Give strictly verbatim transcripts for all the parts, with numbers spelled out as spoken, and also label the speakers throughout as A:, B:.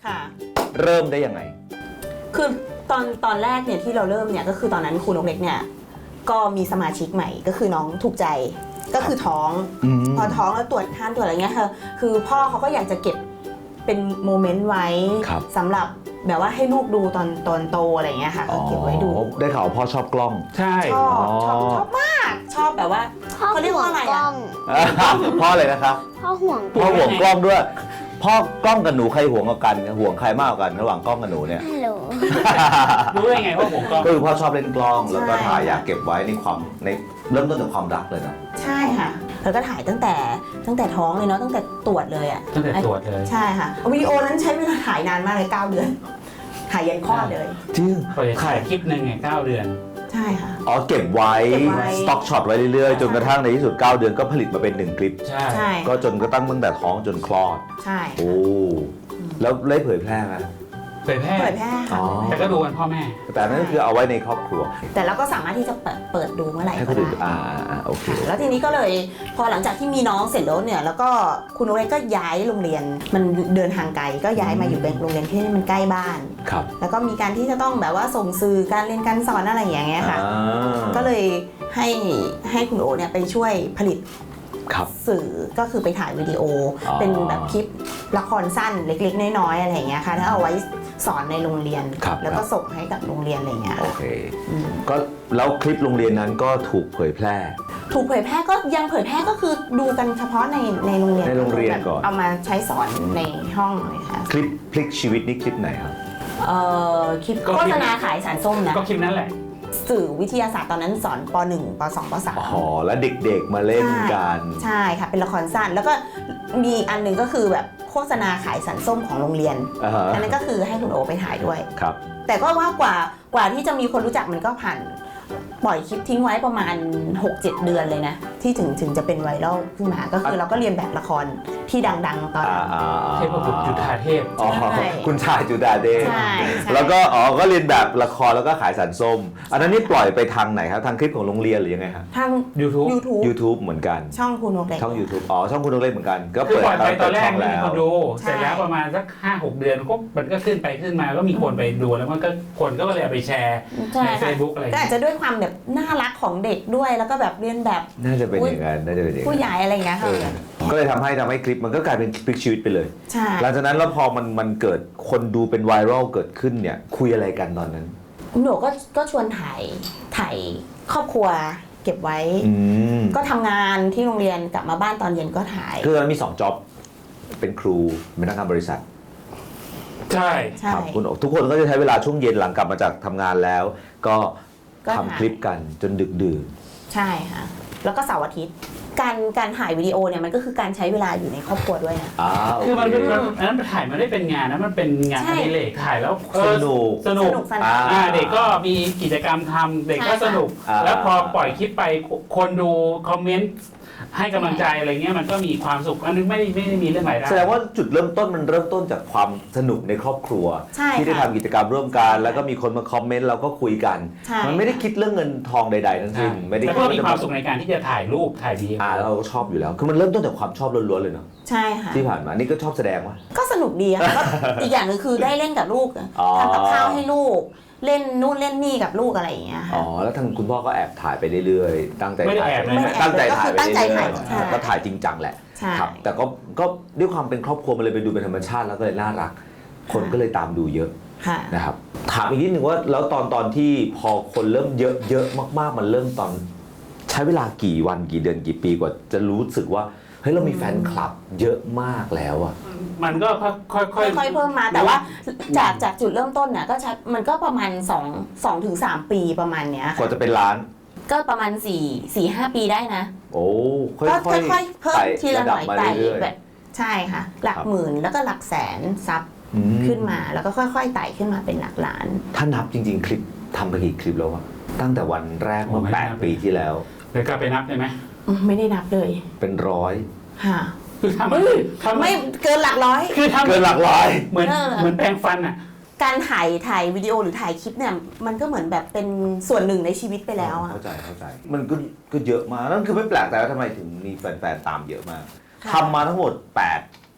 A: ค่ะ
B: เริ่มได้ยังไง
A: คือตอนตอนแรกเนี่ยที่เราเริ่มเนี่ยก็คือตอนนั้นครูนกเล็กเนี่ยก็มีสมาชิกใหม่ก็คือน้องถูกใจก็คือท้องพอท้องแล้วตรวจทานตรวจอะไรเงี้ยค่ะคือพ่อเขาก็อยากจะเก็บเป็นโมเมนต์ไว้สำหรับแบบว่าให้ลูกดูตอนตอนโตอะไรเงี้ยค่ะก็เก็บไว้ดู
B: ได้ข่าวพ่อชอบกล้อง
C: ใช่
A: ชอบชอบชอบมากชอบแบบว่าเขาเรียกว่าอะไรอ่ะ
B: พ่อเลยนะครับ
D: พ่อห่วง
B: พ่อห่วงกล้องด้วยพ่อกล้องกับหนูใครห่วงกันห่วงใครมากกว่ากันระหว่างกล้องกับหนูเนี่ย
D: ฮัลโหล
C: รู้ได้ไงว่าผมก็
B: ก็คือพ่อชอบเล่นกล้องแล้วก็ถ่ายอยากเก็บไว้ในความในเริ่มต้นจากความรักเลยนะ
A: ใช่ค่ะแล้วก็ถ่ายตั้งแต่ตั้งแต่ท้องเลยเนาะตั้งแต่ตรวจเลยอ่ะ
C: ตั้งแต่ตรวจเลย
A: ใช่ค่ะวิดีโอนั้นใช้เวลาถ่ายนานมากเลยเก้าเดือนถ่ายยันคลอดเลย
B: จริง
C: ถ่ายคลิปหนึ่งไงเก้าเดือน
A: ใช่ค่ะ
B: อ๋อเก็บไว้สต็อกช็อตไว้เรื่อยๆจนกระทั่งในที่สุดเก้าเดือนก็ผลิตมาเป็นหนึ่งคลิป
C: ใช่
B: ก็จนกระทั่งตั้งแต่ท้องจนคลอด
A: ใช่
B: โอ้แล้วได้เผยแพร่ไหม
C: เผยแพร่
A: เผยแพร่ค่ะ
C: แต่ก็ดูกันพ่อแม่
B: แต่นั่นก็คือเอาไว้ในครอบครัว
A: แต่เราก็สามารถที่จะเปิดเปิดดูเมื่อไหร่
B: ก็ได้อ่าอ่าโอเค
A: แล้วทีนี้ก็เลยพอหลังจากที่มีน้องเสร็จแล้วเนี่ยแล้วก็คุณโอเล็กก็ย้ายโรงเรียนมันเดินทางไกลก็ย้ายมาอยู่เป็นโรงเรียนที่มันใกล้บ้าน
B: ครับ
A: แล้วก็มีการที่จะต้องแบบว่าส่งสื่อการเรียนการสอนอะไรอย่างเงี้ยค่ะก็เลยให้ให้คุณโอเนี่ยไปช่วยผลิตสื่อก็คือไปถ่ายวิดีโอเป็นแบบคลิปละครสั้นเล็กๆน้อยๆอะไรอย่างเงี้ยค่ะถ้าเอาไว้สอนในโรงเรียนแล้วก็ส่งให้กับโรงเรียนอะไรเงี้ย
B: โอเคก็แล้วคลิปโรงเรียนนั้นก็ถูกเผยแพร่
A: ถูกเผยแพร่ก็ยังเผยแพร่ก็คือดูกันเฉพาะในในโรงเรียน
B: ในโรงเรียนก่อน
A: เอามาใช้สอนในห้องเลยค่ะ
B: คลิปพลิกชีวิตนี่คลิปไหนครับ
A: เอ่อคลิปโฆษณาขายสารส้มนะ
C: ก็คลิปนั้นแหละ
A: สื่อวิทยาศาสตร์ตอนนั้นสอนป หนึ่ง ป สอง ป สาม
B: อ๋อแล้วเด็กๆมาเล่นกัน
A: ใช่ค่ะเป็นละครสั้นแล้วก็มีอันหนึ่งก็คือแบบโฆษณาขายสารส้มของโรงเรียนอันนั้นก็คือให้คุณโอไปถ่ายด้วย
B: ครับ
A: แต่ก็ว่ากว่ากว่าที่จะมีคนรู้จักมันก็ผ่านปล่อยคลิปทิ้งไว้ประมาณ หกเจ็ด เดือนเลยนะที่ถึงถึงจะเป็นไวรัลขึ้นมาก็คือเราก็เรียนแบบละครที่ดังๆตอนนั้น
C: เทพบุตรจุฑาเทพ
B: อ๋อคุณชายจุฑาเทพแล้วก็อ๋อก็เรียนแบบละครแล้วก็ขายสารส้มอันนั้นนี่ปล่อยไปทางไหนครับทางคลิปของโรงเรียนหรือยังไงครับ
A: ทาง
C: YouTube
A: YouTube
B: YouTube เหมือนกัน
A: ช่องคุณนกเล็ก
B: ช่อง YouTube อ๋อช่องคุณนกเล็กเหมือนกันก็
C: เปิดไปตอนแรกไม่มีคนดูเสร็จแล้วประมาณสัก ห้าหก เดือนก็มันก็ขึ้นไปขึ้นมาก็มีคนไปดูแล้วมันก็คนก็เลยเอาไปแชร์ใน Facebook อะไร
A: ก็อาจจะด้วยความแบบน่ารักของเด็กด้วยแล้วก็แบบเรียนแบบ
B: น่าจะเป็นอย่างนั้นน่าจะเป็นอย่างนั้น
A: ผู้ใหญ่อะไรอย่างเงี้ยค่ะ
B: ก็เลยทำให้ทำให้คลิปมันก็กลายเป็นพลิกชีวิตไปเลย
A: ใช่
B: หลังจากนั้นแล้วพอมันมันเกิดคนดูเป็นไวรัลเกิดขึ้นเนี่ยคุยอะไรกันตอนนั้น
A: หนูก็ก็ชวนถ่ายถ่ายครอบครัวเก็บไว้ก็ทำงานที่โรงเรียนกลับมาบ้านตอนเย็นก็ถ่าย
B: คือมันมีสองจ็อบเป็นครูเป็นพนักงานบริษัท
C: ใช่
B: ครับคุณทุกคนก็จะใช้เวลาช่วงเย็นหลังกลับมาจากทำงานแล้วก็ทำคลิปกันจนดึกดื่น
A: ใช่ค่ะแล้วก็เสาร์อาทิตย์การการถ่ายวิดีโอเนี่ยมันก็คือการใช้เวลาอยู่ในครอบครัวด้วยนะ
C: คือมันเป็นอันนั้นถ่ายมันได้เป็นงานนะมันเป็นงานอดิเรกถ่ายแล้ว
B: สนุก
C: สนุกเด็กก็มีกิจกรรมทำเด็กก็สนุกแล้วพอปล่อยคลิปไปคนดูคอมเมนต์ให้กำลังใจอะไรเงี้ยมันก็มีความสุขอันนึงไม่ได้ไม่ได้มีเรื่องรายได้
B: แสดงว่าจุดเริ่มต้นมันเริ่มต้นจากความสนุกในครอบครัวที่ได้ทำกิจกรรมร่วมกันแล้วก็มีคนมาคอมเมนต์เราก็คุยกันมันไม่ได้คิดเรื่องเงินทองใดๆทั้งสิ้นไม่ได้
C: คิดว่ามีความสุขในการที่จะถ่ายรูปถ่ายวีดีโอ
B: อ่าเราก็ชอบอยู่แล้วคือมันเริ่มต้นจากความชอบล้วนๆเลยเนาะ
A: ใช่ค่ะ
B: ที่ผ่านมานี่ก็ชอบแสดงวะ
A: ก็สนุกดีค่ะก็อีกอย่างนึงคือได้เล่นกับลูกทำกับข้าวให้ลูกเล่นนู่นเล่นนี่กับลูกอะไรอย่างเงี้ย
B: อ๋อแล้วทางคุณพ่อก็แอบถ่ายไปเรื่อยๆตั้งใจถ่าย
A: ตั้
B: งใจถ่ายไปเรื่อย
A: ๆ
B: ก็ถ่ายจริงจังแหละครับแต่ก็ก็ด้วยความเป็นครอบครัวมันเลยไปดูเป็นธรรมชาติแล้วก็เลยน่ารักคนก็เลยตามดูเยอะนะครับถามอีกนิดนึงว่าแล้วตอนตอนที่พอคนเริ่มเยอะเยอะมากๆมันเริ่มตอนใช้เวลากี่วันกี่เดือนกี่ปีกว่าจะรู้สึกว่าเฮ้ยเรามีแฟนคลับเยอะมากแล้วอ่ะ
C: มันก็ค่อยๆค่อย
A: ๆเพิ่มมาแต่ว่าจากจากจุดเริ่มต้นเนี่ยก็ใช้มันก็ประมาณสองสองถึงสามปีประมาณเนี้ย
B: กว่าจะเป็นล้าน
A: ก็ประมาณสี่ สี่ ห้าปีได้นะ
B: โอ้
A: ค่อยๆเพิ่มทีละหน่อยไต่แบบใช่ค่ะหลักหมื่นแล้วก็หลักแสนซับขึ้นมาแล้วก็ค่อยๆไต่ขึ้นมาเป็นหลักล้าน
B: ถ้านับจริงๆคลิปทำไปกี่คลิปแล้ววะตั้งแต่วันแรกเมื่อแปดปีที่แล้ว
C: เดี๋ยวกลับไปนับได้ไหม
A: ไม่ได้นับเลย
B: เป็นร้อย
A: ค่ะ
C: คือทำ
A: ไม่เกินหลักร้อย
C: คือทำ
B: เกินหลักร้อย
C: เหมือนเหมือนแปรงฟันอ่ะ
A: การถ่ายถ่ายวิดีโอหรือถ่ายคลิปเนี่ยมันก็เหมือนแบบเป็นส่วนหนึ่งในชีวิตไปแล้วอ่ะ
B: เข้าใจเข้าใจมันก็ก็เยอะมากนั่นคือไม่แปลกแต่ว่าทำไมถึงมีแฟนๆตามเยอะมากทำมาทั้งหมดแปด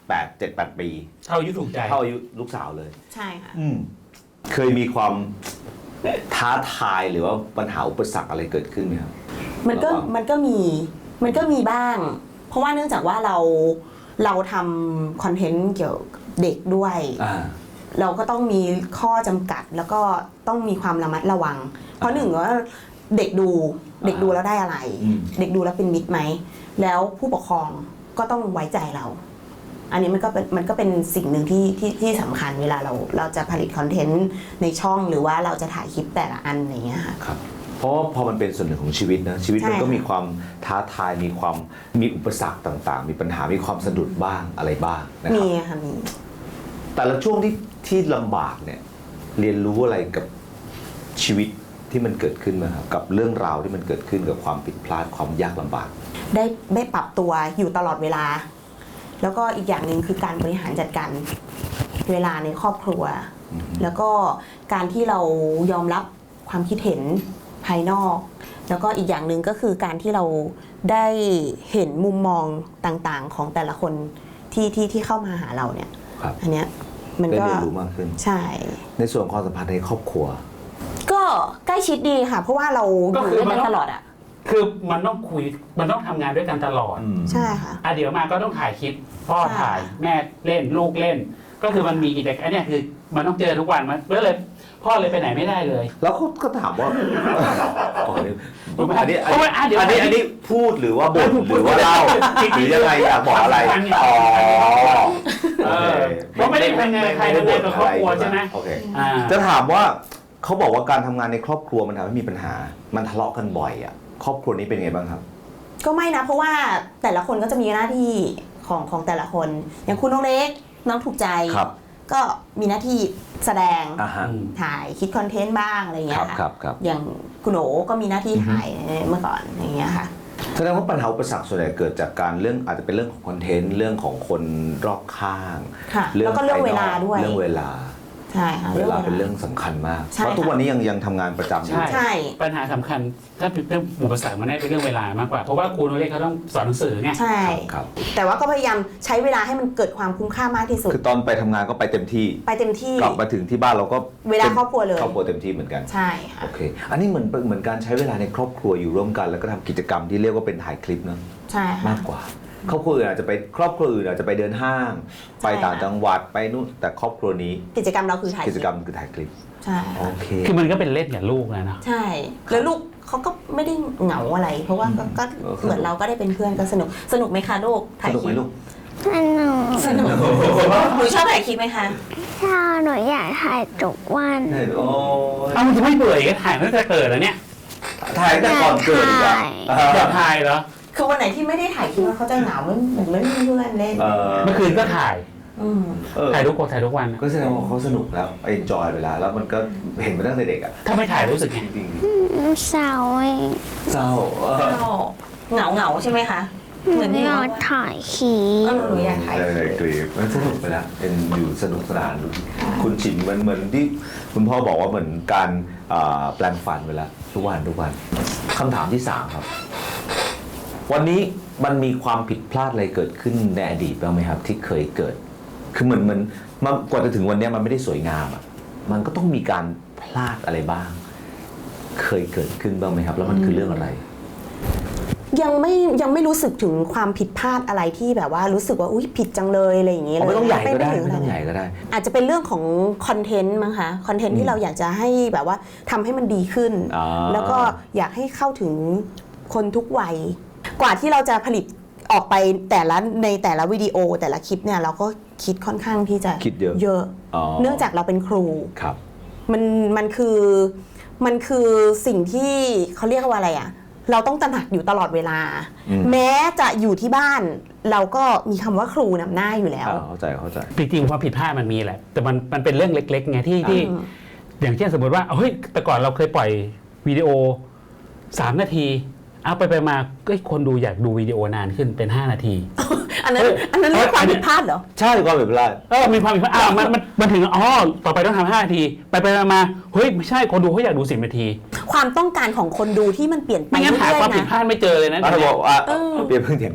B: แปด เจ็ด แปด ปี
C: เท่าอายุถูกใจ
B: เท่าอายุลูกสาวเลย
A: ใช่ค่ะ
B: อืมเคยมีความท้าทายหรือว่าปัญหาอุปสรรคอะไรเกิดขึ้นไหมครับ
A: มันก็
B: ระหว่าง
A: มันก็มีมันก็มีบ้าง เพราะว่าเนื่องจากว่าเราเราทำคอนเทนต์เกี่ยวกับเด็กด้วย
B: อ่า
A: เราก็ต้องมีข้อจำกัดแล้วก็ต้องมีความระมัดระวัง เพราะหนึ่งว่าเด็กดูเด็กดูแล้วได้อะไร
B: อืม
A: เด็กดูแล้วเป็นมิตรไหมแล้วผู้ปกครองก็ต้องไว้ใจเรา อันนี้มันก็เป็นมันก็เป็นสิ่งหนึ่งที่ที่ที่สำคัญเวลาเราเราจะผลิตคอนเทนต์ในช่องหรือว่าเราจะถ่ายคลิปแต่ละอันอย่างเงี้ยค่ะ
B: ครับเพราะว่าพอมันเป็นส่วนหนึ่งของชีวิตนะชีวิตมัน
A: ใช่
B: ก็มีความท้าทายมีความมีอุปสรรคต่างๆ มีปัญหามีความสะดุดบ้างอะไรบ้างนะค
A: มี
B: รับ
A: ค่ะมี
B: แต่ละช่วงที่ที่ลำบากเนี่ยเรียนรู้อะไรกับชีวิตที่มันเกิดขึ้นมาครับกับเรื่องราวที่มันเกิดขึ้นกับความผิดพลาดความยากลำบาก
A: ได้ได้ปรับตัวอยู่ตลอดเวลา แล้วก็อีกอย่างหนึ่งคือการบริหารจัดการเวลาในครอบครัว แล้วก็การที่เรายอมรับความคิดเห็นภายนอก แล้วก็อีกอย่างหนึ่งก็คือการที่เราได้เห็นมุมมองต่างๆ ของแต่ละคนที่ที่ที่เข้ามาหาเราเนี่ย
B: ครับ
A: อันเนี้ยมัน
B: ได้
A: ก็
B: เรียนรู้มากขึ้น
A: ใช่
B: ในส่วนของความสัมพันธ์ในครอบครัว
A: ก็ใกล้ชิดดีค่ะ เพราะว่าเราอยู่ด้วยกันตลอดอ่ะ
C: คือมันต้องคุยมันต้องทำงานด้วยกันตลอด
A: ใช่ค่ะ
C: อ่ะเดี๋ยวมาก็ต้องถ่ายคลิปพ่อ
A: ใช่
C: ถ่ายแม่เล่นลูกเล่น ก็คือมันมีกิจกรรมอันเนี้ยคือมันต้องเจอทุกวันมันก็เลยพ่อเลยไปไหนไม่ได้เลย
B: แล้วเขาก็ถามว่าอ๋อนี่อันนี้อัน
C: เพราะว่าอ่ะเดี๋ยว
B: นี้อันนี้พูดหรือว่าบ่นหรือว่าเล่าหรือยังไงอยากบอกอะไรอ๋อ
C: เออเพราะไม่ได้ทำงานกับใครทำงานกับครอบครัวใช่ไหม
B: โอเค
C: อ่า
B: จะถามว่าเขาบอกว่าการทำงานในครอบครัวมันทำให้มีปัญหา มันทะเลาะกันบ่อยอ่ะครอบครัวนี้เป็นไงบ้างครับ
A: ก็ไม่นะเพราะว่าแต่ละคนก็จะมีหน้าที่ของของแต่ละคน อย่างคุณน้องเล็กน้องถูกใจ
B: ครับ
A: ก็มีหน้าที่แสดง
B: อ่าฮะ
A: ถ่ายคิดคอนเทนต์บ้างอะไรอย่างเงี้
B: ครั
A: ย
B: บ
A: ค่ะ
B: ครับครับ
A: อย่างคุณโอก็มีหน้าที่ถ่ายเมื่อก่อนอย่างเงี้ยค่ะ
B: แสดงว่าปัญหาอุปสรรคส่วนใหญ่เกิดจากการเรื่องอาจจะเป็นเรื่องของคอนเทนต์เรื่องของคนรอบข้าง
A: ค่ะแล้วก็เรื่องเวลาด้วย
B: เรื่องเวลา
A: ใช่ค่ะ
B: เวลาเป็นเรื่องสำคัญมาก
A: ใช่
B: เพราะทุก
A: ค่ะ
B: วันนี้ยังยังทำงานประจำอยู่
C: ใช่
A: ใช่
C: ปัญหาสำคัญถ้าเป็นเรื่องอุปสรรคมันได้เป็นเรื่องเวลามากกว่าเพราะว่าครูโนเล่เขาต้องสอนหนังสือไง
A: ใช่
B: ครับ
A: แต่ว่าก็พยายามใช้เวลาให้มันเกิดความคุ้มค่ามากที่สุด
B: คือตอนไปทำงานก็ไปเต็มที่
A: ไปเต็มที่
B: กลับมาถึงที่บ้านเราก็
A: เวลาครอบครัวเลย
B: ครอบครัวเต็มที่เหมือนกัน
A: ใช่ค่ะ
B: โอเค อันนี้เหมือนเหมือนการใช้เวลาในครอบครัวอยู่ร่วมกัน แล้วก็ทำกิจกรรมที่เรียกว่าเป็นถ่ายคลิปเนอะ
A: ใช่ค่ะ
B: มากกว่า ครอบครัวอื่นอาจจะไปครอบครัวอื่นอาจจะไปเดินห้าง
A: ใช่
B: ไปต่างจังหวัดไปนู่นแต่ครอบครัวนี้
A: กิจกรรมเราคือถ่าย
B: กิจกรรมคือถ่ายคลิป
A: ใช่
B: โอเค
C: คือมันก็เป็นเล่นกับลูกนะเนาะ
A: ใช่ แล้วลูกเขาก็ไม่ได้เหงาอะไร เพราะว่าก็ก็
B: เออ
A: เหมือนเราก็ได้เป็นเพื่อนก็สนุก สนุกไหมคะลูก
B: ส
A: ถ่าย
B: นุก
A: ค
B: ไหม
A: ลิป
B: ลูก
D: สนุก
A: สนุกหนูชอบถ่ายคลิปไหมคะ
D: ถ้าหนูอยากถ่ายทุกวัน
B: โอ้ย
C: เอ้ามันจะไม่เบื่ออีกถ่ายตั้งแต่เกิดแล้วเนี่ย
B: ถ่ายแต่ก่อนเกิดอีกอะ
C: อยากถ่ายเหรอ
A: คือวันไหนที่ไม่ได้ถ่ายคลิปเขาจะเหงาเหมือนเหมือนไม่มีเพื่อนเล่น
B: เออ
C: เมื่อคืนก็ถ่าย
A: อืม
B: เออ
C: ถ่ายทุกคนถ่ายทุกวันอะ
B: ก็แสดงว่าเขาสนุกแล้วเอนจอยไปแล้วแล้วมันก็เห็นมาตั้งแต่เด็กอ่ะ
C: ถ้าไม่ถ่ายรู้สึกไง
B: จริง
D: เศร้าเอง
B: ๆเศร้าเออ
A: เหงาเหงาๆใช่ไหมคะ เหมือน
D: หนู
A: ที่
D: อยา
A: เรา
D: กถ่ายคลิ
A: เอ
D: ป
A: อหนูอยากถ่าย
B: ใช่ในคลิปมันสนุกไปแล้วเป็นอยู่สนุกสนานคุณชินเหมือนเหมือนที่คุณพ่อบอกว่าเหมือนการอ่าแปลงฟันไปแล้วทุกวันทุกวันคำถามที่สามครับ วันนี้มันมีความผิดพลาดอะไรเกิดขึ้นในอดีตบ้างไหมครับ ที่เคยเกิด คือเหมือนเหมือนมันกว่าจะถึงวันนี้มันไม่ได้สวยงามอ่ะมันก็ต้องมีการพลาดอะไรบ้าง เคยเกิดขึ้นบ้างไหมครับ แล้วมันคือเรื่องอะไร
A: ยังไม่ยังไม่รู้สึกถึงความผิดพลาดอะไรที่แบบว่ารู้สึกว่าอุ้ยผิดจังเลยอะไรอย่างเงี้ย
B: อ๋อไม่ต้องใหญ่ก็ได้
A: ถึ
B: ไม่ต้อง
A: ขนา
B: ใหญ่ก็ได้
A: อาจจะเป็นเรื่องของคอนเทนต์มั้งคะคอนเทนต์ที่เราอยากจะให้แบบว่าทำให้มันดีขึ้น
B: อ่า
A: แล้วก็อยากให้เข้าถึงคนทุกวัย กว่าที่เราจะผลิตออกไปแต่ละในแต่ละวิดีโอแต่ละคลิปเนี่ยเราก็คิดค่อนข้างที่จะ
B: คิดเยอะ
A: เยอะ
B: อ๋อ
A: เนื่องจากเราเป็นครู
B: ครับ
A: มันมันคือมันคือสิ่งที่เขาเรียกว่าอะไรอะเราต้องตระหนักอยู่ตลอดเวลา
B: อืม
A: แม้จะอยู่ที่บ้าน เราก็มีคำว่าครูนำหน้าอยู่แล้ว
B: อ่าเข้าใจเข้าใจ
C: จริงๆความผิดพลาดมันมีแหละ แต่มันมันเป็นเรื่องเล็กๆไงที่ที่
A: อืม
C: อย่างเช่นสมมติว่าเฮ้ยแต่ก่อนเราเคยปล่อยวิดีโอสามนาทีเอาไปไปมาก็คนดูอยากดูวิดีโอนานขึ้นเป็นห้านาที
A: อันนั้น
C: เอ้ย
A: อันนั้นเรียกความ
C: อันนี้
A: ผิดพลาดเหรอ
B: ใช่ความผิดพลาด
C: เออมีความผิดพลาดอ้าวมันมันมันถึงอ๋อต่อไปต้องทำห้านาที ไปไปมามาเฮ้ยไม่ใช่คนดูเขาอยากดูสิบนาที
A: ความต้องการของคนดูที่มันเปลี่ยนไป
C: ไม่งั้นหา
A: เรื่อ
C: ความ
A: ยๆ
C: ผิด
A: นะ
C: พลาดไม่เจอเลยนะ
B: อ่ะ
C: เดี๋ยว
B: บอกว่า
A: เออ
B: เปลี่ยนเพิ่งเถียงกัน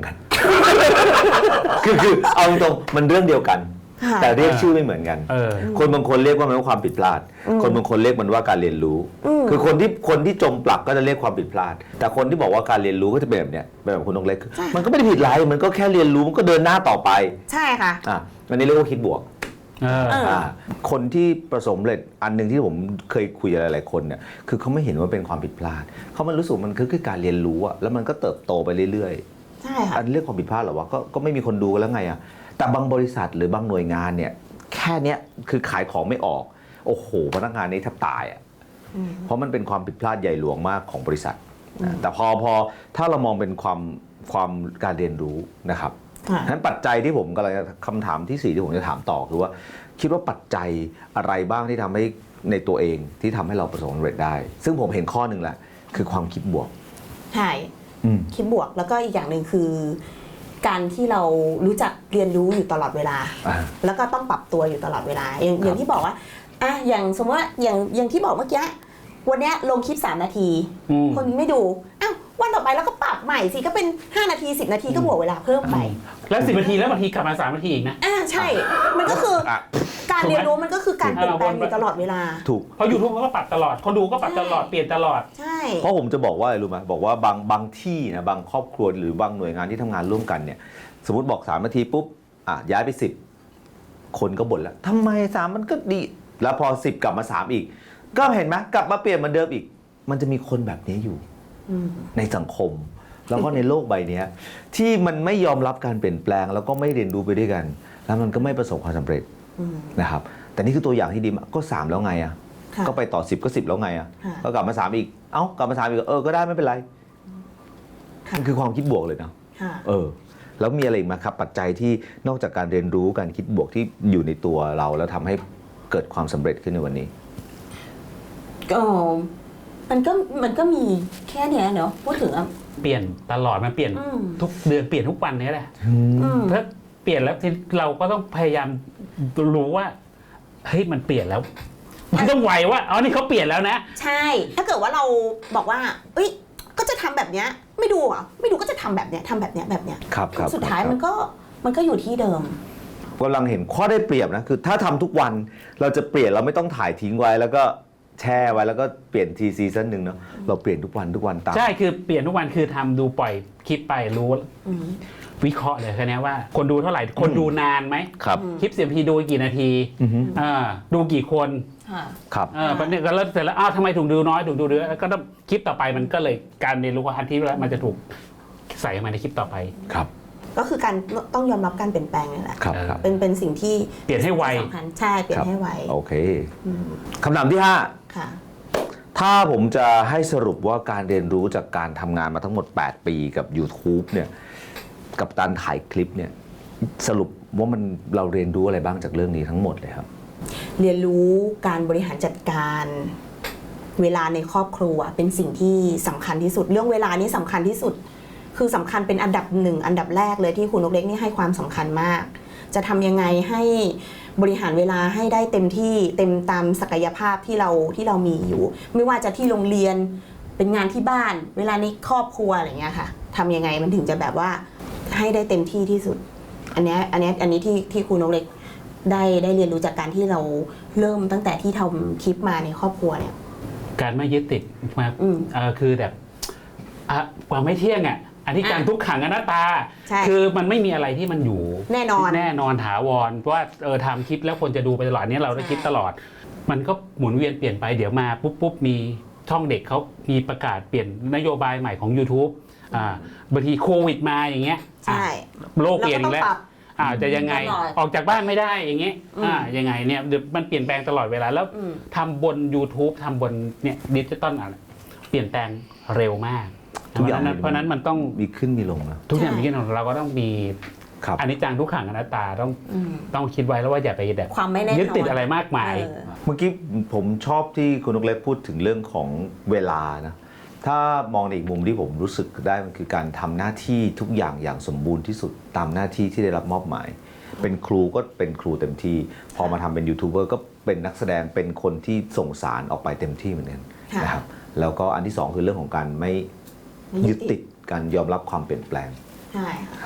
B: คือคือเอาตรงมันเรื่องเดียวกัน
A: ค่ะ
B: แต่เรียกชื่อไม่เหมือนกัน
C: เออ
B: คนบางคนเรียกว่ามันว่าความผิดพลาด คนบางคนเรียกมันว่าการเรียนรู้ คือคนที่คนที่จมปลักก็จะเรียกความผิดพลาด แต่คนที่บอกว่าการเรียนรู้ก็จะเป็นแบบเนี้ยเป็นแบบคุณนกเล็ก มันก็ไม่ได้ผิดอะไรมันก็แค่เรียนรู้มันก็เดินหน้าต่อไป
A: ใช่ค่ะ
B: อ่ะอันนี้เรียกว่าคิดบวก
C: เออ
A: เออ
B: อ่าคนที่ประสบความสำเร็จอันหนึ่งที่ผมเคยคุยกับหลายๆคนเนี่ยคือเขาไม่เห็นว่าเป็นความผิดพลาดเขามันรู้สึกมันคือคือการเรียนรู้อะแล้วมันก็เติบโตไปเรื่อยๆ
A: ใช่ค่ะ
B: อันเรื่องความผิดพลาดเหรอวะก็ก็ไม่มีคนดูกันแล้วไงอะแต่บางบริษัทหรือบางหน่วยงานเนี่ยแค่เนี้ยคือขายของไม่ออกโอ้โหพนักงานนี้แทบตายอะเพราะมันเป็นความผิดพลาดใหญ่หลวงมากของบริษัทนะแต่พอพอถ้าเรามองเป็นความความการเรียนรู้นะครับฉะนั้นปัจจัยที่ผมกำลังจะคำถามที่สี่ที่ผมจะถามต่อคือว่าคิดว่าปัจจัยอะไรบ้างที่ทำให้ในตัวเองที่ทำให้เราประสบความสำเร็จได้ ซึ่งผมเห็นข้อหนึ่งแหละคือความคิดบวก
A: ใช่
B: อืม
A: คิดบวกแล้วก็อีกอย่างหนึ่งคือ การที่เรารู้จักเรียนรู้อยู่ตลอดเวลา
B: อ่า
A: แล้วก็ต้องปรับตัวอยู่ตลอดเวลา อย่างอย่างที่บอกว่าอ่ะอย่างสมมติว่าอย่างอย่างที่บอกเมื่อกี้วันเนี้ยลงคลิปสามนาที
C: อืม
A: คนไม่ดูอ้าววันต่อไปแล้วก็ปรับใหม่สิก็เป็นห้านาทีสิบนาทีก็บวกเวลาเพิ่มไป
C: แล้วสิบนาทีแล้วบางทีกลับมาสามนาทีอีกนะ
A: อ่าใช่ มันก็คือ
B: อ่ะ
A: การเรียนรู้มันก็คือการเปลี่ยนแปลงอยู่ตลอดเวลา
B: ถูก
C: เพราะยูทูบเขาก็ปรับตลอด คนดูก็ปรับตลอด เปลี่ยนตลอด
A: ใช่
B: เพราะผมจะบอกว่าอะไรรู้ไหมบอกว่าบางบางที่นะบางครอบครัวหรือบางหน่วยงานที่ทำงานร่วมกันเนี่ยสมมติบอกสามนาทีปุ๊บอ่ะย้ายไปสิบคนก็บ่นแล้วทำไมสามมันก็ดี แล้วพอสิบกลับมาสามอีก ก็เห็นไหมกลับมาเปลี่ยนเหมือนเดิมอีก มันจะมีคนแบบนี้อยู่
A: อืม
B: ในสังคม แล้วก็ในโลกใบเนี้ยที่มันไม่ยอมรับการเปลี่ยนแปลง แล้วก็ไม่เรียนรู้ไปด้วยกัน แล้วมันก็ไม่ประสบความสำเร็จ
A: อืม
B: นะครับ แต่นี่คือตัวอย่างที่ดีมากก็สามแล้วไงอ่ะ
A: ค่ะ
B: ก็ไปต่อสิบก็สิบแล้วไงอ่ะ
A: ค่ะ
B: ก็กลับมาสามอีกเอ้ากลับมาสามอีกเออก็ได้ไม่เป็นไร
A: ค่ะ
B: มันคือความคิดบวกเลยนะ
A: ค่ะ
B: เออ แล้วมีอะไรอีกไหมครับปัจจัยที่นอกจากการเรียนรู้การคิดบวกที่อยู่ในตัวเรา แล้วทำให้เกิดความสำเร็จขึ้นในวันนี้
A: ก็มันก็มันก็มีแค่เนี้ยเนาะพูดถึงอ่ะ
C: เปลี่ยนตลอด มันเปลี่ยน
A: อืม
C: ทุกเดือนเปลี่ยนทุกวันนี้แหละ
A: อืม
C: ถ้าเปลี่ยนแล้วเราก็ต้องพยายามรู้ว่า เฮ้ย มันเปลี่ยนแล้ว มันต้องไวว่า อ๋อ นี่เขาเปลี่ยนแล้วนะ
A: ใช่ ถ้าเกิดว่าเราบอกว่า เอ้ย ก็จะทำแบบเนี้ย ไม่ดูอ่ะ ไม่ดูก็จะทำแบบเนี้ยทำแบบเนี้ยแบบเนี้ย
B: ครับครับ
A: สุดท้าย
B: ครับ
A: มันก็มันก็อยู่ที่เดิม
B: กำลังเห็นข้อได้เปรียบนะคือถ้าทำทุกวันเราจะเปลี่ยนเราไม่ต้องถ่ายทิ้งไว้ แล้วก็แช่ไว้แล้วก็เปลี่ยนทีซีซั่นหนึ่งเนาะเราเปลี่ยนทุกวันทุกวันตาม
C: ใช่ คือเปลี่ยนทุกวัน คือทำดูปล่อยคลิปไปรู้
A: อืม
C: วิเคราะห์เลยแค่นี้ว่า คนดูเท่าไหร่ คนดูนานไหม
B: ครับ
C: คลิปเสียงพีดูกี่นาที
B: อือฮึ
C: อ่าดูกี่คน
A: ค่ะ
B: ครับ
C: เออประเด็นก็เริ่มเสร็จแล้ว อ้าวทำไมถูกดูน้อย ถูกดูเยอะแล้วก็ต้องคลิปต่อไปมันก็เลยการเรียนรู้อันที่แล้วมันจะถูกใส่มาในคลิปต่อไป
B: ครับ
A: ก็คือการต้องยอมรับการเปลี่ยนแปลงนี่แหละ
B: ครับครับ
A: เป็นเป็นสิ่งที่
C: เปลี่ยนให้ไว
A: สำคัญใช่ เปลี่ยนให้ไว
B: โอเค
A: อืม
B: คำถามที่ห้า
A: ค่ะ
B: ถ้าผมจะให้สรุปว่าการเรียนรู้จากการทำงานมาทั้งหมดแปดปีกับ YouTube เนี่ยกับการถ่ายคลิปเนี่ยสรุปว่ามันเราเรียนรู้อะไรบ้างจากเรื่องนี้ทั้งหมดเลยครับ
A: เรียนรู้การบริหารจัดการเวลาในครอบครัวเป็นสิ่งที่สำคัญที่สุด เรื่องเวลานี้สำคัญที่สุด คือสำคัญเป็นอันดับหนึ่งอันดับแรกเลยที่คุณนกเล็กนี่ให้ความสำคัญมาก จะทำยังไงให้บริหารเวลาให้ได้เต็มที่เต็มตามศักยภาพที่เราที่เรามีอยู่ ไม่ว่าจะที่โรงเรียนเป็นงานที่บ้าน เวลาในครอบครัวอะไรเงี้ยค่ะทำยังไงมันถึงจะแบบว่าให้ได้เต็มที่ที่สุด อันเนี้ยอันเนี้ยอันนี้ที่ที่คุณนกเล็กได้ได้เรียนรู้จากการที่เราเริ่มตั้งแต่ที่ทำคลิปมาในครอบครัวเนี่ย
C: การไม่ยึดติดมา
A: อืม
C: เออคือแบบอ่ะความไม่เที่ยงอ่ะอันนี้การ
A: อ่ะ
C: ทุกขังอนัตตา
A: ใช่
C: คือมันไม่มีอะไรที่มันอยู่
A: แน่นอน
C: แน่นอนถาวรเพราะว่าเออทำคลิปแล้วคนจะดูไปตลอดอันนี้เราได้
A: ใช่
C: คิดตลอด มันก็หมุนเวียนเปลี่ยนไปเดี๋ยวมาปุ๊บปุ๊บมีช่องเด็กเขามีประกาศเปลี่ยนนโยบายใหม่ของ YouTube อ่าบางทีโควิดมาอย่างเงี้ย
A: ใช่
C: อ่ะโลกเปลี่ยนอีกแล้ว
A: เราก็ต้องปรับ
C: อ่าจะยังไง
A: ตลอด
C: ออกจากบ้านไม่ได้อย่างเงี้ย
A: อืม
C: อ่ายังไงเนี่ยเดี๋ยวมันเปลี่ยนแปลงตลอดเวลาแล้ว
A: อืม
C: ทำบน YouTube ทำบนเนี่ยดิจิตอลอะไรเปลี่ยนแปลงเร็วมาก
B: ทุกอย่าง
C: เพราะฉะนั้นเพราะฉะนั้นมันต้อง
B: มีขึ้นมีลงนะ
C: ทุกอย่าง
A: ใช่
C: มีขึ้นเราก็ต้องมี
B: ครับ
C: อันนี้จังทุกขังอนัตตาต้อง
A: อืม
C: ต้องคิดไว้แล้วว่าอย่าไปแบบ
A: ความไม่แน่นอน
C: ยึดติดอะไรมากมาย
A: เออ
B: เมื่อกี้ผมชอบที่คุณนกเล็กพูดถึงเรื่องของเวลานะถ้ามองในอีกมุมที่ผมรู้สึกได้มันคือการทำหน้าที่ทุกอย่างอย่างสมบูรณ์ที่สุดตามหน้าที่ที่ได้รับมอบหมาย เป็นครูก็เป็นครูเต็มที่ พอมาทำเป็นยูทูบเบอร์ก็เป็นนักแสดงเป็นคนที่ส่งสารออกไปเต็มที่เหมือนกัน
A: ค่ะ
B: นะครับแล้วก็อันที่สองคือเรื่องของการไม่
A: ไม่ยึ
B: ยึ
A: ด
B: ด
A: ติ
B: ติ
A: ด
B: ดการยอมรับความเปลี่ยนแปลง
A: ใช่ค่ะ
B: ครับ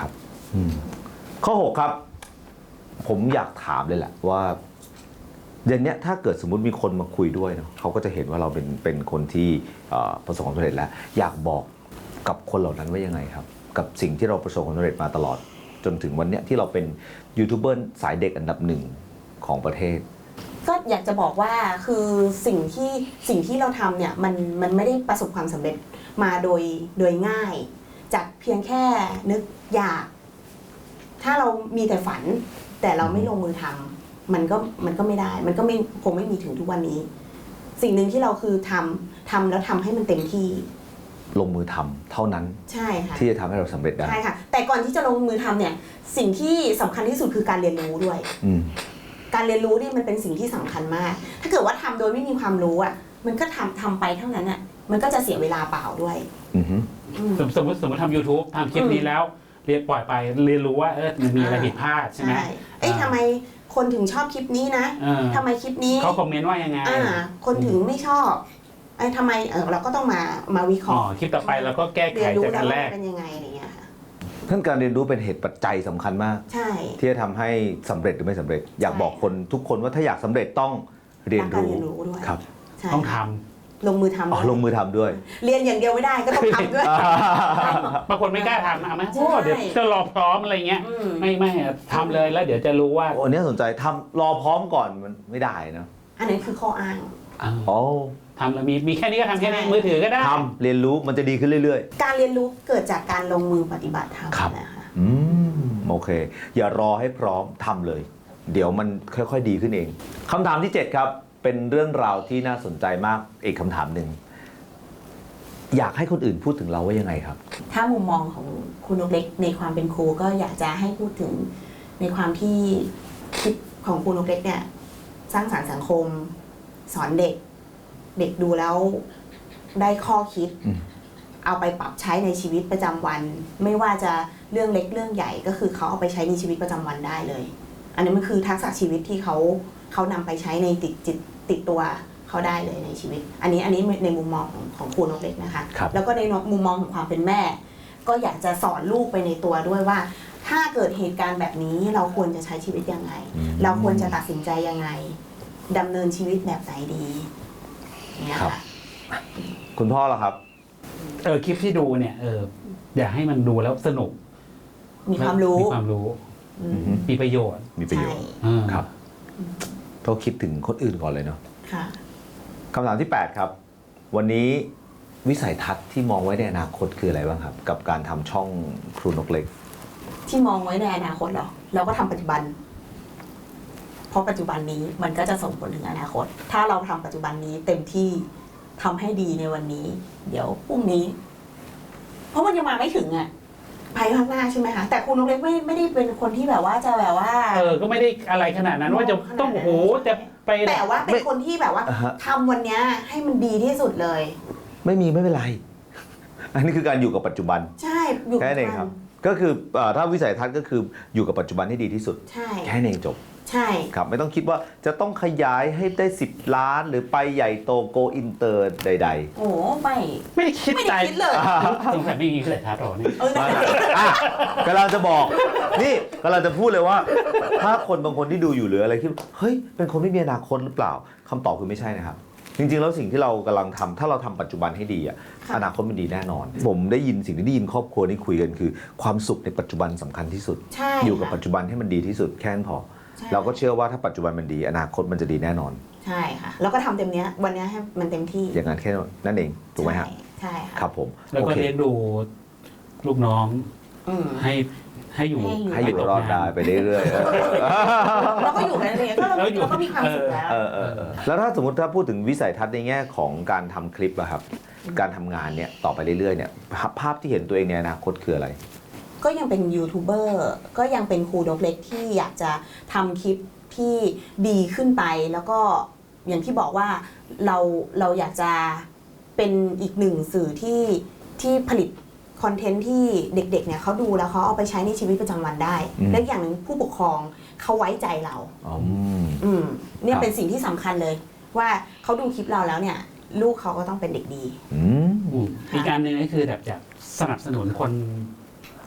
B: อืมข้อหกครับ ผมอยากถามเลยแหละว่าเดือนนี้ถ้าเกิดสมมติมีคนมาคุยด้วยเนาะเขาก็จะเห็นว่าเราเป็นเป็นคนที่เอ่อประสบความสำเร็จแล้ว อยากบอกกับคนเหล่านั้นว่ายังไงครับ กับสิ่งที่เราประสบความสำเร็จมาตลอด จนถึงวันเนี้ยที่เราเป็นยูทูบเบอร์สายเด็กอันดับหนึ่งของประเทศ
A: ก็อยากจะบอกว่าคือสิ่งที่สิ่งที่เราทำเนี่ยมันมันไม่ได้ประสบความสำเร็จมาโดยโดยง่าย จากเพียงแค่นึกอยาก ถ้าเรามีแต่ฝัน แต่เราไม่ลงมือทำมันก็มันก็ไม่ได้ มันก็ไม่คงไม่มีถึงทุกวันนี้ สิ่งหนึ่งที่เราคือทำทำแล้วทำให้มันเต็มที่
B: ลงมือทำเท่านั้น
A: ใช่ค่ะ
B: ที่จะทำให้เราสำเร็จได้
A: ใช่ค่ะ แต่ก่อนที่จะลงมือทำเนี่ย สิ่งที่สำคัญที่สุดคือการเรียนรู้ด้วย
B: อืม
A: การเรียนรู้นี่มันเป็นสิ่งที่สำคัญมาก ถ้าเกิดว่าทำโดยไม่มีความรู้อ่ะ มันก็ทำทำไปเท่านั้นอ่ะ มันก็จะเสียเวลาเปล่าด้วย
B: อือฮึ
A: อืม
C: สมสมมติสมมติทำ YouTube ทำคลิปนี้แล้วเรียนปล่อยไปเรียนรู้ว่าเออมันมีอะไรผิดพลาดใช่ไหม
A: เอ้ยทำไมคนถึงชอบคลิปนี้นะ
C: เออ
A: ทำไมคลิปนี้
C: เขาคอมเมนต์ว่ายังไง
A: อ่า คนถึงไม่ชอบไอ้ทำไมเออเราก็ต้องมามาวิเค
C: อ๋อ
A: ราะห์
C: คลิปต่อไปเราก็แก้ไข
A: เรียนรู้
C: จาก
A: แล้
C: อั
A: วน
C: แร
A: ว่าก เป็นยังไงอะไรเงี้ยค่ะ
B: ท่านการเรียนรู้เป็นเหตุปัจจัยสำคัญมาก
A: ใช่
B: ที่จะทำให้สำเร็จหรือไม่สำเร็จ อยากบอกคนทุกคนว่าถ้าอยากสำเร็จต้องเรียน
A: การ
B: รู้
A: เรียนรู้ด้วย
B: ครับ
A: ใช่
C: ต้องท
A: ลงมือทำ
B: อ๋อลงมือทำด้วย
A: เรียนอย่างเดียวไม่ได้ก็ต้องทำด้วย
C: ำบางคนไม่กล้าทำนะเอาไหมโอ้เดี๋ยวจะรอพร้อมอะไรเงี้ย
A: อืม
C: ไม่ไม่อะทำเลยแล้วเดี๋ยวจะรู้ว่า
B: โอ้อันนี้สนใจทำรอพร้อมก่อนมันไม่ได้นะ
A: อันนั้นคือข้ออ้าง
B: อ๋อ
C: ทำแล้วมีมีแค่นี้ก็ทำแค่นี้
A: ใช่
C: มือถือก็ได้
B: ทำเรียนรู้มันจะดีขึ้นเรื่อย
A: การเรียนรู้เกิดจากการลงมือปฏิบัติธรรม
B: ครับ
A: นะคะ
B: ๆ อืมโอเค อย่ารอให้พร้อมทำเลย เดี๋ยวมันค่อยๆดีขึ้นเองคำถามที่เจ็ดครับ เป็นเรื่องราวที่น่าสนใจมากอีกคำถามหนึ่งอยากให้คนอื่นพูดถึงเราว่ายังไงครับ
A: ถ้ามุมมองของคุณนกเล็กในความเป็นครูก็อยากจะให้พูดถึงในความที่คลิปของคุณนกเล็กเนี่ยสร้างสรรค์สังคม สอนเด็ก เด็กดูแล้วได้ข้อคิด
B: อืม
A: เอาไปปรับใช้ในชีวิตประจำวัน ไม่ว่าจะเรื่องเล็กเรื่องใหญ่ก็คือเขาเอาไปใช้ในชีวิตประจำวันได้เลย อันนี้มันคือทักษะชีวิตที่เขาเขานำไปใช้ในติดจิตติดตัวเขาได้เลยในชีวิต อันนี้อันนี้ในมุมมองของของครูนกเล็กนะคะ
B: ครับ
A: แล้วก็ในมุมมองของความเป็นแม่ ก็อยากจะสอนลูกไปในตัวด้วยว่า ถ้าเกิดเหตุการณ์แบบนี้เราควรจะใช้ชีวิตยังไง
B: อืม
A: เราควรจะตัดสินใจยังไงดำเนินชีวิตแบบไหนดีอย่างเงี้ย
B: ครับ
A: ค่ะ
B: คุณพ่อล่ะครับ
C: เออคลิปที่ดูเนี่ยเอออยากให้มันดูแล้วสนุก
A: มีความรู้
C: มีความรู้
A: อืม
C: มีประโยชน์
B: มีประโยช
A: ใช่
B: น์
C: อ่า
B: ครับต้องคิดถึงคนอื่นก่อนเลยเนาะ
A: ค่ะ
B: คำถามที่แปดครับ วันนี้วิสัยทัศน์ที่มองไว้ในอนาคตคืออะไรบ้างครับ กับการทำช่องครูนกเล็ก
A: ที่มองไว้ในอนาคตเหรอเราก็ทำปัจจุบัน เพราะปัจจุบันนี้มันก็จะส่งผลถึงอนาคต ถ้าเราทำปัจจุบันนี้เต็มที่ทำให้ดีในวันนี้ เดี๋ยวพรุ่งนี้ เพราะมันยังมาไม่ถึงอ่ะภายข้างหน้าใช่ไหมคะแต่คุณนกเล็กไม่ไม่ได้เป็นคนที่แบบว่าจะแบบว่า
C: เออก็ไม่ได้อะไรขนาดนั้นว่าจะต้องโอ้โหจะไป
A: แต่ว่าเป็นคนที่แบบว่า
B: อ่าฮะ
A: ทำวันเนี้ยให้มันดีที่สุดเลย
B: ไม่มีไม่เป็นไร อันนี้คือการอยู่กับปัจจุบัน
A: ใช่อยู่
B: แค่นั้นเองครับ ก็คือเอ่อถ้าวิสัยทัศน์ก็คืออยู่กับปัจจุบันให้ดีที่สุด
A: ใช่
B: แค่นั้นเองจบ
A: ใช่
B: ครับไม่ต้องคิดว่าจะต้องขยายให้ได้สิบล้านหรือไปใหญ่โตโกอินเตอร์ใด
A: โอ้ไม่
C: ไม่ได้คิด
A: ไม่
C: ใจ
A: ได้คิดเลย
C: สงสัยไม่มีเลยทัศน์หรอเนี่ย
A: เออนั่นแหละสิ
B: ๆอ่ะกำลังจะบอก นี่กำลังจะพูดเลยว่า ถ้าคนบางคนที่ดูอยู่หรืออะไรที่เฮ้ยเป็นคนไม่มีอนาคตหรือเปล่าคำตอบคือไม่ใช่นะครับ จริงๆแล้วสิ่งที่เรากำลังทำถ้าเราทำปัจจุบันให้ดีอะอนาคตมันดีแน่นอน ผมได้ยินสิ่งที่ได้ยินครอบครัวนี่คุยกันคือ ความสุขในปัจจุบันสำคัญที่สุด
A: ใช่
B: อยู่กับ
A: ค่ะ
B: ปัจจุบันให้มันดีที่สุดแค่นั้นพอ
A: ใช่
B: เราก็เชื่อว่าถ้าปัจจุบันมันดี อนาคตมันจะดีแน่นอน
A: ใช่ค่ะ แล้วก็ทำเต็มเนี้ยวันเนี้ยให้มันเต็มที่
B: อย่างนั้นแค่นั้นเองถูกไหมฮะ
A: ใช่ใช่ค่ะ
B: ครับผม
C: แล้ว
B: โอ
C: ก็
B: เค
C: เลี้ยงดูลูกน้อง
A: อืม
C: ให้ให้อยู่
B: ให้อยู่รอดได้ไปเรื่อยๆ
A: เราก็อยู่กันเองก็เรา
C: แล้วอยู่
A: เราก็มีความสุขแล้ว
B: เออเออเออแล้วถ้าสมมติถ้าพูดถึงวิสัยทัศน์ในแง่ของการทำคลิปอะครับ การทำงานเนี่ยต่อไปเรื่อยๆเนี่ยภาพภาพที่เห็นตัวเองในอนาคตคืออะไร
A: ก็ยังเป็นยูทูบเบอร์ก็ยังเป็นครูนกเล็กที่อยากจะทำคลิปที่ดีขึ้นไป แล้วก็อย่างที่บอกว่าเราเราอยากจะเป็นอีกหนึ่งสื่อที่ที่ผลิตคอนเทนต์ที่เด็กๆเนี่ยเขาดูแล้วเขาเอาไปใช้ในชีวิตประจำวันได้
B: อืม
A: และอย่างหนึ่งผู้ปกครองเขาไว้ใจเรา
B: อ๋อ
A: อืมเนี่
B: ค
A: ย
B: รับ
A: เป็นสิ่งที่สำคัญเลย ว่าเขาดูคลิปเราแล้วเนี่ย ลูกเขาก็ต้องเป็นเด็กดี
B: อืม
C: อืมอีกการหนึ่งก็คือแบบจะสนับสนุนคน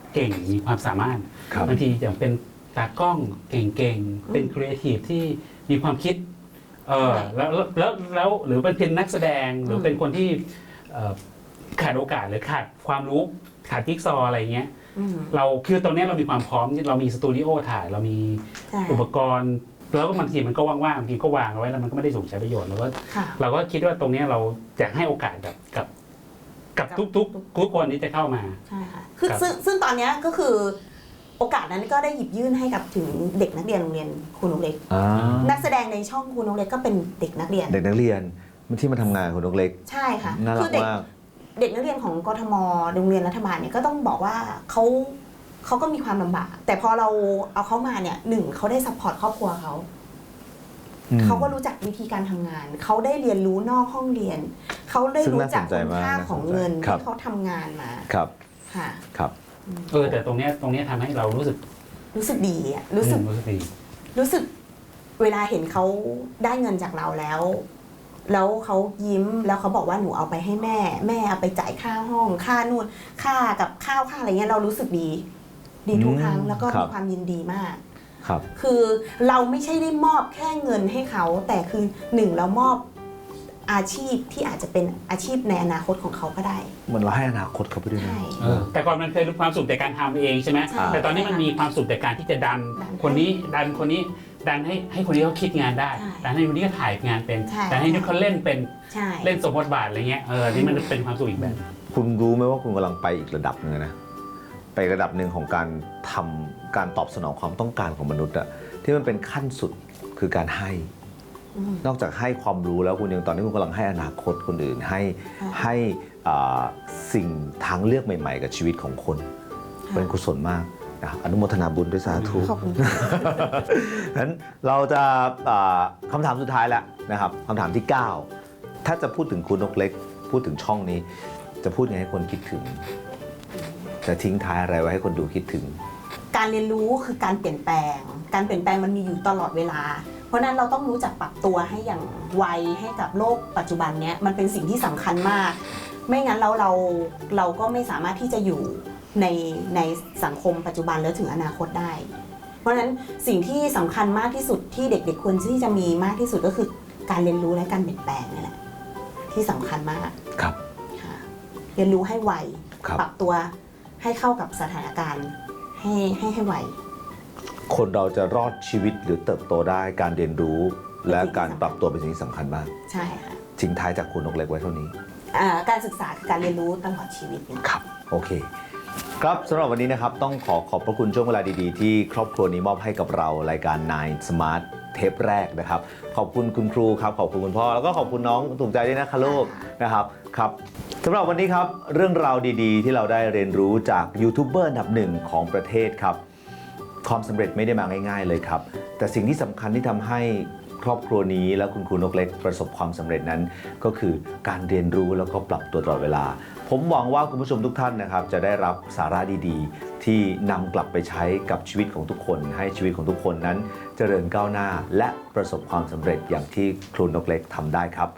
C: เก่งมีความสามารถ
B: ครับ
C: บางทีอย่างเป็นตากล้องเก่งๆเป็นครีเอทีฟที่มีความคิดเออแล้วแล้วแล้วหรือเป็นนักแสดงหรือเป็นคนที่เอ่อขาดโอกาสหรือขาดความรู้ขาดจิ๊กซอว์อะไรเงี้ย
A: อืม
C: เราคือตอนนี้เรามีความพร้อมเรามีสตูดิโอถ่ายเรามี
A: ใช่
C: อุปกรณ์แล้วก็บางทีมันก็ว่างๆบางทีก็วางเอาไว้แล้วมันก็ไม่ได้ถูกใช้ประโยชน์แล้วก็
A: ค่ะ
C: เราก็คิดว่าตรงนี้เราอยากให้โอกาสกับกับกับทุกทุกทุกคนที่จะเข้ามา
A: ใช่ค่ะคือ
C: ครับ
A: ซึ่งซึ่งตอนเนี้ยก็คือโอกาสนั้นก็ได้หยิบยื่นให้กับถึงเด็กนักเรียนโรงเรียนครูนกเล็ก
B: อ่า
A: นักแสดงในช่องครูนกเล็กก็เป็นเด็กนักเรียน
B: เด็กนักเรียนที่มาทำงานคุณนกเล็ก
A: ใช่ค่ะ
B: น่ารั
A: คื
B: ก
A: เด็ก
B: มาก
A: เด็กนักเรียนของกทมโรงเรียนรัฐบาลเนี่ยก็ต้องบอกว่าเขาเขาก็มีความลำบาก แต่พอเราเอาเขามาเนี่ยหนึ่งเขาได้ซัพพอร์ตครอบครัวเขา
B: อืม
A: เขาก็รู้จักวิธีการทำงาน เขาได้เรียนรู้นอกห้องเรียน เขาได้
B: ซึ่ง
A: รู้
B: น่า
A: จัก
B: สนใจ
A: คุณ
B: มาก
A: ค่า
B: น่าสนใจ
A: ของเงิน
B: ครับ
A: ที่เขาทำงานมา
B: ครับ
A: ค่ะ
B: ครับ
C: เออแต่ตรงเนี้ยตรงเนี้ยทำให้เรารู้สึก
A: รู้สึกดีอะรู้สึก
C: อืมรู้สึกดี
A: รู้สึกเวลาเห็นเขาได้เงินจากเราแล้ว แล้วเขายิ้มแล้วเขาบอกว่าหนูเอาไปให้แม่ แม่เอาไปจ่ายค่าห้อง ค่านู่นค่ากับข้าวค่าอะไรเงี้ยเรารู้สึกดี ดีทุกครั้ง
B: อืม
A: แล้วก็
B: ครั
A: มี
B: บ
A: ความยินดีมาก
B: ครับ
A: คือเราไม่ใช่ได้มอบแค่เงินให้เขา แต่คือหนึ่งเรามอบอาชีพที่อาจจะเป็นอาชีพในอนาคตของเขาก็ได้
B: เหมือนเราให้อนาคตเขาไปด้วยนะ
A: ใช่
C: เออแต่ก่อนมันเคยรู้ความสุขแต่การทำเองใช่ไหม
A: ใช่
C: แต่ตอนนี้มันมีความสุขแต่การที่จะดัน
A: ดัน
C: คนนี้ดันคนนี้ดันให้ให้คนนี้เขาคิดงานได้
A: ใช่
C: ดันให้คนนี้ก็ถ่ายงานเป็น
A: ใช่
C: ดันให้นุกเขาเล่นเป็น
A: ใช่
C: เล่นสมบทบาทอะไรเงี้ยเออนี่มันเป็นความสุขอีกแบบ
B: คุณรู้ไหมว่าคุณกำลังไปอีกระดับหนึ่งนะ ไประดับหนึ่งของการทำการตอบสนองความต้องการของมนุษย์อะที่มันเป็นขั้นสุดคือการให้
A: อืม
B: นอกจากให้ความรู้แล้วคุณยังตอนนี้คุณกำลังให้อนาคตคนอื่น ให้
A: ค่ะ
B: ให้อ่าสิ่งทางเลือกใหม่ ๆ กับชีวิตของคน
A: ค่ะ
B: เป็นกุศลมากนะอนุโมทนาบุญด้วยสาธุ
A: ขอบคุณค่ะ
B: งั้นเราจะอ่าคำถามสุดท้ายแล้วนะครับคำถามที่ เก้า ถ้าจะพูดถึงคุณนกเล็ก พูดถึงช่องนี้ จะพูดยังไงให้คนคิดถึง จะทิ้งท้ายอะไรไว้ให้คนดูคิดถึง
A: การเรียนรู้คือการเปลี่ยนแปลง การเปลี่ยนแปลงมันมีอยู่ตลอดเวลา เพราะฉะนั้นเราต้องรู้จักปรับตัวให้อย่างไวให้กับโลกปัจจุบันเนี้ยมันเป็นสิ่งที่สำคัญมาก ไม่งั้นเราเราเราก็ไม่สามารถที่จะอยู่ในในสังคมปัจจุบันแล้วถึงอนาคตได้ เพราะฉะนั้นสิ่งที่สำคัญมากที่สุดที่เด็กๆควรที่จะมีมากที่สุดก็คือการเรียนรู้และการเปลี่ยนแปลงนี่แหละที่สำคัญมาก
B: ครับ
A: ค่ะเรียนรู้ให้ไว
B: ครับ
A: ปรับตัวให้เข้ากับสถานการณ์ให้ให้ให้ไว
B: คนเราจะรอดชีวิตหรือเติบโตได้การเรียนรู้ และการปรับตัวเป็นสิ่งที่สำคัญมาก
A: ใช่ค่ะ
B: ทิ้งท้ายจากคุณนกเล็กไว้เท่านี้
A: อ่าการศึกษาคือการเรียนรู้ตลอดชีวิตเนี่ย
B: ครับ โอเค ครับสำหรับวันนี้นะครับต้องขอขอบพระคุณช่วงเวลาดีๆ ที่ครอบครัวนี้มอบให้กับเรารายการ ไนน์ Smart เทปแรกนะครับ ขอบคุณคุณครูครับ ขอบคุณคุณพ่อ แล้วก็ขอบคุณน้องถูกใจด้วยนะคะลูกนะครับครับสำหรับวันนี้ครับเรื่องราวดีๆ ที่เราได้เรียนรู้จากยูทูบเบอร์อันดับหนึ่งของประเทศครับ ความสำเร็จไม่ได้มาง่าย ๆ เลยครับ แต่สิ่งที่สำคัญที่ทำให้ครอบครัวนี้และคุณครูนกเล็กประสบความสำเร็จนั้น ก็คือการเรียนรู้แล้วก็ปรับตัวตลอดเวลา ผมหวังว่าคุณผู้ชมทุกท่านนะครับ จะได้รับสาระดีๆ ที่นำกลับไปใช้กับชีวิตของทุกคน ให้ชีวิตของทุกคนนั้นเจริญก้าวหน้า และประสบความสำเร็จอย่างที่ครูนกเล็กทำได้ครับ